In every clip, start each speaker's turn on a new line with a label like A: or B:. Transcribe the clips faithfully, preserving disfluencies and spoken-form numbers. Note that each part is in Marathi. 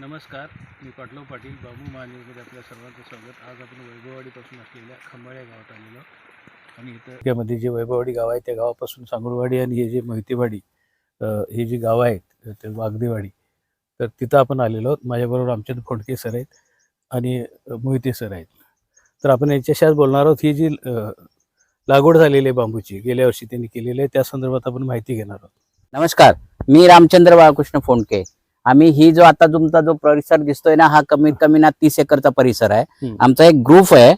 A: नमस्कार, मी पाटलाव पाटील बाबू महान्यूजमध्ये आपल्या सर्वांचं स्वागत. आज आपण वैभववाडीपासून असलेल्या खंबाळ्या गावात आलेलो आणि इथं त्यामध्ये जे वैभववाडी गाव आहे त्या गावापासून सांगुळवाडी आणि हे जे मोहितेवाडी हे जी गावं आहेत ते वागदेवाडी, तर तिथं आपण आलेलो आहोत. माझ्याबरोबर आमचे फोंडके सर आहेत आणि मोहिते सर आहेत. तर आपण यांच्याशी आज बोलणार आहोत. ही जी लागवड झालेली आहे बांबूची, गेल्या वर्षी त्यांनी केलेली आहे, त्या संदर्भात आपण माहिती घेणार आहोत.
B: नमस्कार, मी रामचंद्र बाळकृष्ण फोंडके. आम्ही ही जो आता तुमचा जो परिसर दिसतोय ना, हा कमीत कमी ना तीस एकरचा परिसर आहे. आमचा एक ग्रुप आहे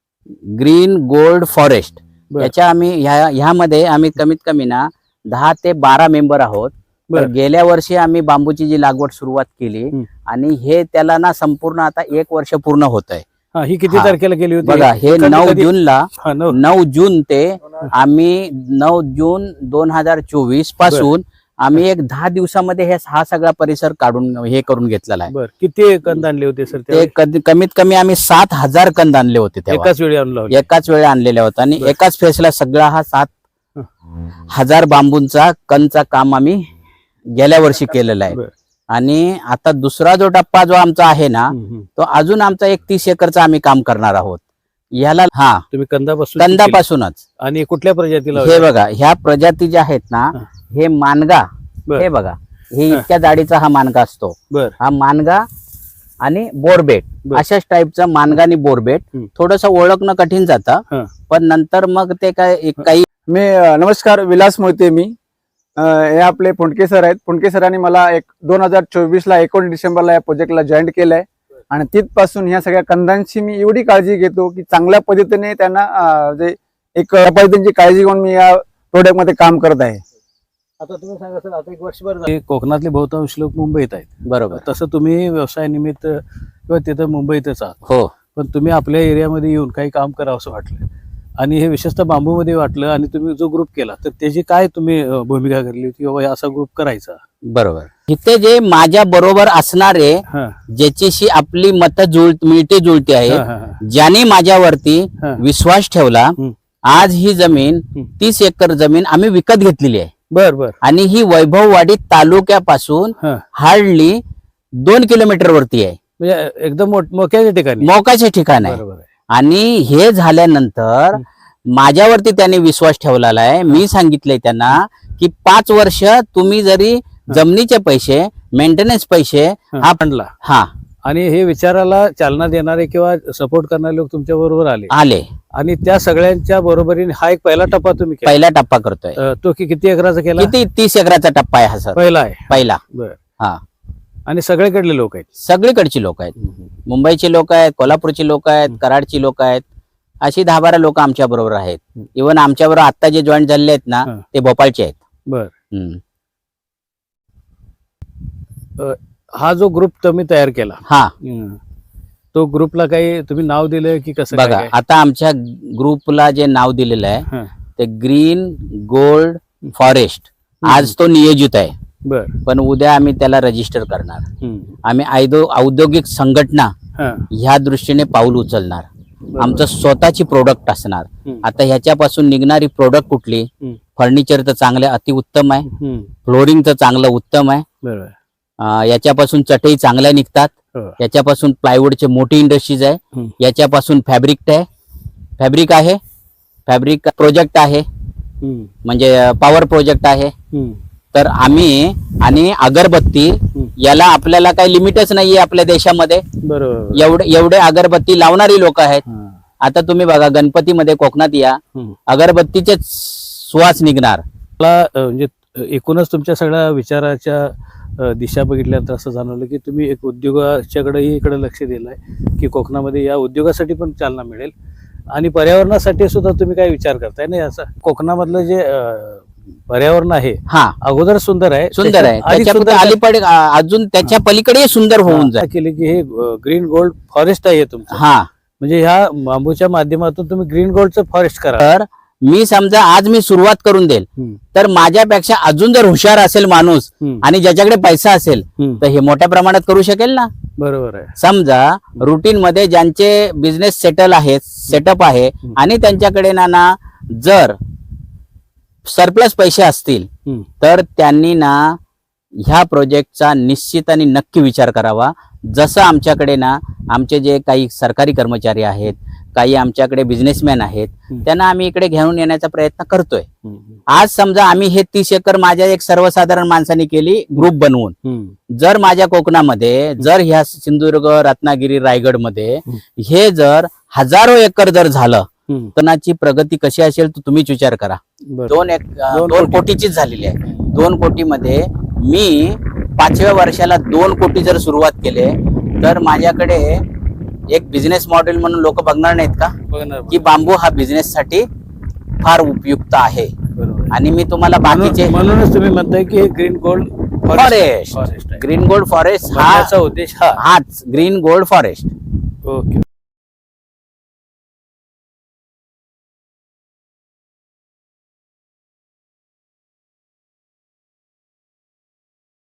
B: ग्रीन गोल्ड फॉरेस्ट. याच्या आम्ही ह्या ह्यामध्ये आम्ही कमीत कमी ना दहा ते बारा मेंबर आहोत. तर गेल्या वर्षी आम्ही बांबूची जी लागवड सुरुवात केली आणि हे त्याला ना संपूर्ण आता एक वर्ष पूर्ण होत आहे.
A: ही किती तारखेला केली होती
B: बघा? हे नऊ जूनला नऊ जून ते आम्ही नऊ जून दोन हजार चोवीस पासून आम्ही एक दहा दिवसामध्ये हे हा सगळा परिसर काढून हे करून घेतलेला आहे.
A: किती कंद आणले होते सर?
B: ते कमीत कमी आम्ही सात हजार कंद आणले होते
A: एकाच वेळी आणलो
B: एकाच वेळी आणलेले होते आणि एकाच फेसला सगळा हा सात हजार बांबूंचा कंदचा काम आम्ही गेल्या वर्षी केलेला आहे. आणि आता दुसरा जो टप्पा जो आमचा आहे ना, तो अजून आमचा एक तीस एकरचा आम्ही काम करणार आहोत. याला हा
A: तुम्ही कंदापासून
B: कंदापासूनच.
A: आणि कुठल्या प्रजातीला?
B: हे बघा, ह्या प्रजाती ज्या आहेत ना, हे मानगा, हे बघा, हे इतक्या जाडीचा हा मानगा असतो. हा मानगा आणि बोरबेट, अशाच टाईपचा मानगा आणि बोरबेट. थोडस ओळखणं कठीण जातं, पण नंतर मग ते काय काही.
C: मी नमस्कार, विलास मोहिते. मी हे आपले फोंडके सर आहेत. फोंडके सरांनी मला एक दोन हजार चोवीस ला एकोणीस डिसेंबरला या प्रोजेक्टला जॉईन केलंय आणि तिथपासून ह्या सगळ्या कंदांची मी एवढी काळजी घेतो की चांगल्या पद्धतीने त्यांना जे एक पद्धतीची काळजी घेऊन मी या प्रोजेक्ट मध्ये काम करत आहे.
A: आता तुम्ही सांगा सर, आता एक वर्षभर कोकणातले बहुतांश लोक मुंबईत आहेत,
B: बरोबर?
A: तसं तुम्ही व्यवसायानिमित्त किंवा तिथं मुंबईतच आहात.
B: हो,
A: पण तुम्ही आपल्या एरियामध्ये येऊन काही काम करावं असं वाटलं आणि हे विशेषतः बांबूमध्ये वाटलं आणि तुम्ही जो ग्रुप केला, तर त्याची काय तुम्ही भूमिका करली होती बाबा असा ग्रुप करायचा?
B: बरोबर. इथे जे माझ्या बरोबर असणारे, ज्याच्याशी आपली मत जुळ मिळते जुळते आहे, ज्याने माझ्यावरती विश्वास ठेवला, आज ही जमीन तीस एकर जमीन आम्ही विकत घेतलेली आहे.
A: बर बर.
B: आणि ही वैभववाडी तालुक्यापासून हार्डली दोन किलोमीटर वरती आहे.
A: म्हणजे एकदम मोक्याच्या ठिकाणी,
B: मोक्याचे ठिकाण आहे. आणि हे झाल्यानंतर माझ्यावरती त्यांनी विश्वास ठेवलेला आहे. मी सांगितलंय त्यांना की पाच वर्ष तुम्ही जरी जमिनीचे पैसे, मेंटेनन्स पैसे हा पडला हा
A: आणि हे विचाराला चालना देणारे किंवा सपोर्ट करणारे लोक तुमच्या बरोबर आले
B: आले
A: आणि त्या सगळ्यांच्या बरोबरीने हा एक पहिला टप्पा तुम्ही
B: पहिला टप्पा करतोय.
A: तो किती एकराचा केला?
B: किती तीस एकराचा टप्पा आहे हा सर,
A: पहिला आहे.
B: पहिला.
A: बर.
B: हा.
A: आणि सगळीकडले लोक आहेत?
B: सगळीकडची लोक आहेत. मुंबईची लोक आहेत, कोल्हापूरची लोक आहेत, कराडची लोक आहेत, अशी दहा बारा लोक आमच्या बरोबर आहेत. इव्हन आमच्या बरोबर आता जे जॉईन झालेले आहेत ना, ते भोपाळचे आहेत.
A: बर. हा जो ग्रुप तुम्ही तयार केला,
B: हा,
A: तो ग्रुपला काही तुम्ही नाव दिलं की कसं?
B: बघा, आता आमच्या ग्रुपला जे नाव दिलेलं आहे ते ग्रीन गोल्ड फॉरेस्ट. आज तो नियोजित आहे,
A: बर,
B: पण उद्या आम्ही त्याला रजिस्टर करणार. आम्ही आयदो औद्योगिक संघटना ह्या दृष्टीने पाऊल उचलणार. आमचं स्वतःची प्रोडक्ट असणार. आता ह्याच्यापासून निघणारी प्रोडक्ट कुठली? फर्निचरचं चांगलं अतिउत्तम आहे, फ्लोरिंगचं चांगलं उत्तम आहे, याच्यापासून चटई चांगल्या निघतात, याच्यापासून प्लायवूडची मोठी इंडस्ट्रीज आहे, याच्यापासून फॅब्रिक आहे फॅब्रिक आहे फॅब्रिक प्रोजेक्ट आहे, म्हणजे पॉवर प्रोजेक्ट आहे. तर आम्ही आणि अगरबत्ती याला आपल्याला काही लिमिटच नाहीये आपल्या देशामध्ये.
A: बरोबर.
B: एवढे एवढे अगरबत्ती लावणारी लोक आहेत. आता तुम्ही बघा, गणपतीमध्ये कोकणात या, अगरबत्तीचे सुवास निघणार.
A: म्हणजे एकूणच तुमच्या सगळ्या विचाराच्या दिशा बघितल्यानंतर असं जाणवलं की तुम्ही एक उद्योगाच्याकडेही इकडे लक्ष दिलंय की कोकणामध्ये या उद्योगासाठी पण चालना मिळेल आणि पर्यावरणासाठी सुद्धा तुम्ही काय विचार करताय ना. असं कोकणामधलं जे पर्यावरण आहे,
B: हा,
A: अगोदर सुंदर आहे,
B: सुंदर आहे, अलीकडे अजून त्याच्या पलीकडे सुंदर होऊन जाईल.
A: केले की हे ग्रीन गोल्ड फॉरेस्ट आहे तुमचं.
B: हा,
A: म्हणजे ह्या बांबूच्या माध्यमातून तुम्ही ग्रीन गोल्डचं फॉरेस्ट करा.
B: तर मी समजा आज मी सुरुवात करून देईल, तर माझ्यापेक्षा अजून जर हुशार असेल माणूस आणि ज्याच्याकडे पैसा असेल तर हे मोठ्या प्रमाणात करू शकेल ना.
A: बरोबर आहे.
B: समजा रुटीन मध्ये ज्यांचे बिझनेस सेटल आहेत, सेटअप आहे आणि त्यांच्याकडे ना ना जर सरप्लस पैसे असतील तर त्यांनी ना ह्या प्रोजेक्टचा निश्चित आणि नक्की विचार करावा. जसं आमच्याकडे ना आमचे जे काही सरकारी कर्मचारी आहेत, काही आमच्याकडे बिझनेसमॅन आहेत,
A: हम्म.
B: त्यांना आम्ही इकडे घेऊन येण्याचा प्रयत्न करतोय.
A: हम्म.
B: आज समजा आम्ही हे तीस एकर माझ्या एक सर्वसाधारण माणसाने केली ग्रुप बनवून.
A: हम्म.
B: जर माझ्या कोकणामध्ये जर ह्या सिंधुदुर्ग, रत्नागिरी, रायगड मध्ये
A: हम्म.
B: हे जर हजारो एकर जर झालं
A: हम्म.
B: कोकणाची प्रगती कशी असेल तर तुम्हीच विचार करा.
A: बरं.
B: दोन एक अं,
A: दोन
B: दोन
A: कोटी.
B: कोटीचीच झालेली आहे. दोन कोटीमध्ये मी पाचव्या वर्षाला दोन कोटी जर सुरुवात केले तर माझ्याकडे एक बिझनेस मॉडेल म्हणून लोक बघणार नाहीत का
A: बघणार
B: की बांबू हा बिझनेस साठी फार उपयुक्त आहे.
A: बरोबर.
B: आणि मी तुम्हाला बाकीचे
A: म्हणून- म्हणूनच तुम्ही म्हणताय की ग्रीन गोल्ड
B: फॉरेस्ट
A: फॉरेस्ट आहे.
B: ग्रीन गोल्ड फॉरेस्ट हा
A: म्हणण्याचा उद्देश हा.
B: हाच ग्रीन गोल्ड फॉरेस्ट.
A: ओके.